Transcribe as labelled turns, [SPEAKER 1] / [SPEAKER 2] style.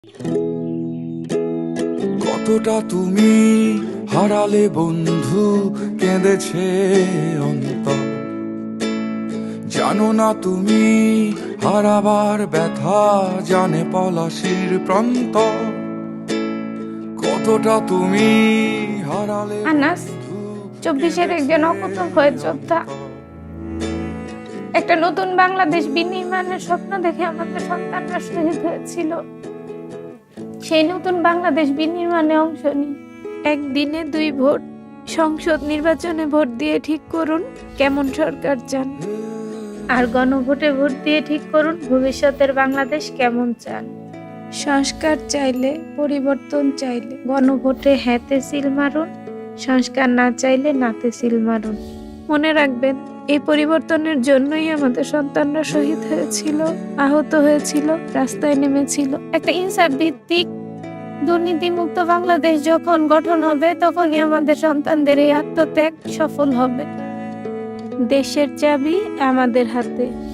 [SPEAKER 1] কতটা তুমি হারালে বন্ধু, কেঁদেছে অন্তর। জানো না তুমি হারাবার ব্যথা, জানে পলাশির প্রান্ত। কতটা তুমি হারালে
[SPEAKER 2] আনাস 24-এর একজন অকুতোভয় যোদ্ধা। একটা নতুন বাংলাদেশ বিনির্মাণের স্বপ্ন দেখে আমাদের সন্তানরা শহীদ হয়েছিল। সেই নতুন বাংলাদেশ বিনির্মাণে অংশ নিই। একদিনে 2 ভোট, সংসদ নির্বাচনে ভোট দিয়ে ঠিক করুন কেমন সরকার চান, আর গণভোটে ভোট দিয়ে ঠিক করুন ভবিষ্যতের বাংলাদেশ কেমন চান। সংস্কার চাইলে, পরিবর্তন চাইলে গণভোটে হ্যাঁতে সিল মারুন, সংস্কার না চাইলে নাতে সিল মারুন। মনে রাখবেন, এই পরিবর্তনের জন্যই আমাদের সন্তানরা শহীদ হয়েছিল, আহত হয়েছিল, রাস্তায় নেমেছিল। একটা ইনসাফ ভিত্তিক দুর্নীতিমুক্ত বাংলাদেশ যখন গঠন হবে, তখনই আমাদের সন্তানদের এই আত্মত্যাগ সফল হবে। দেশের চাবি আমাদের হাতে।